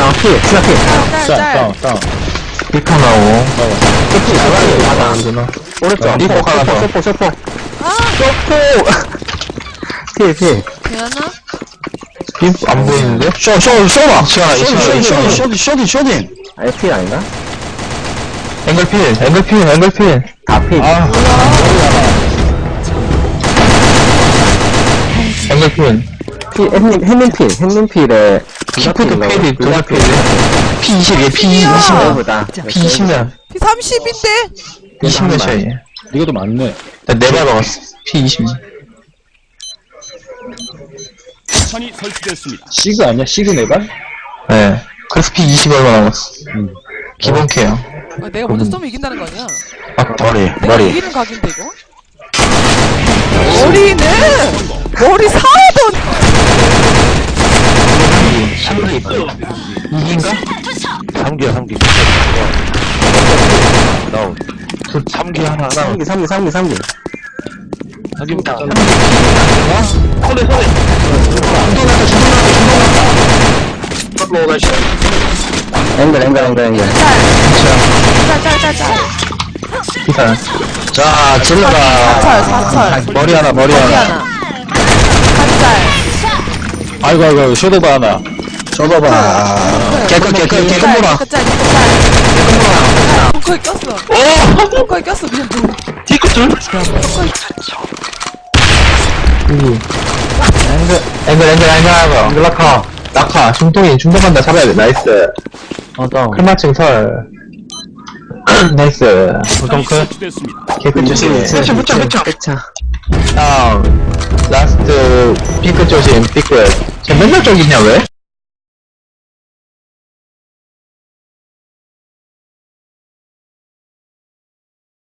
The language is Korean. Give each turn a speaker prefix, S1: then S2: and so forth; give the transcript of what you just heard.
S1: 피, 스나 피.
S2: 짤.
S1: 피카 나오. 피,
S2: 나가요.
S1: 오른쪽.
S2: 리포 하나 더.
S1: 쇼포.
S3: 아,
S1: 피.
S3: 되나?
S2: 안 보이는데?
S4: 쇼봐. 쇼딘.
S1: 아니, 피 아닌가?
S2: 앵글필.
S1: 다 피.
S2: 앵글필.
S1: 피, 햇님필에.
S2: 키프도 필이, 둘다 필. P20이야,
S3: P20.
S1: 보다.
S2: P20면.
S3: P30인데?
S2: 20몇 차이.
S4: 이거 더 많네.
S2: 나 4발 먹었어. P20.
S5: 탄이 설치됐습니다.
S4: 시그 아니야? 시그 네발?
S2: 네. 그래서 P20 얼마 남았어. 기본 케어.
S3: 아, 내가 먼저 쏘면 이긴다는 거 아니야? 내가 이기는 각인데, 이거? 머리 사던!
S2: 이긴가?
S4: 3기. 다운. 3기 하나.
S1: 3기.
S4: 3기부터.
S1: 앵글.
S3: 짤.
S2: 기사.
S4: 자, 질러라.
S3: 4철.
S4: 머리 하나.
S3: 머리 하나. 한 짤.
S4: 아이고, 쇼도바 하나. 쇼도바. 개꿀 물어.
S3: 짤. 벙커에 꼈어. 벙커에 꼈어, 미안.
S2: 뒤끝줄? 앵글 낙하. 중동 간다 잡아야 돼. 나이스.
S1: 다운.
S2: 클마칭 설. 나이스.
S5: 탄이 설치됐습니다.
S2: 개끝 조심.
S1: 회차.
S2: 다운. 라스트, 삐끗 조심, 삐끗. 쟤 맨날 저기 있냐, 왜?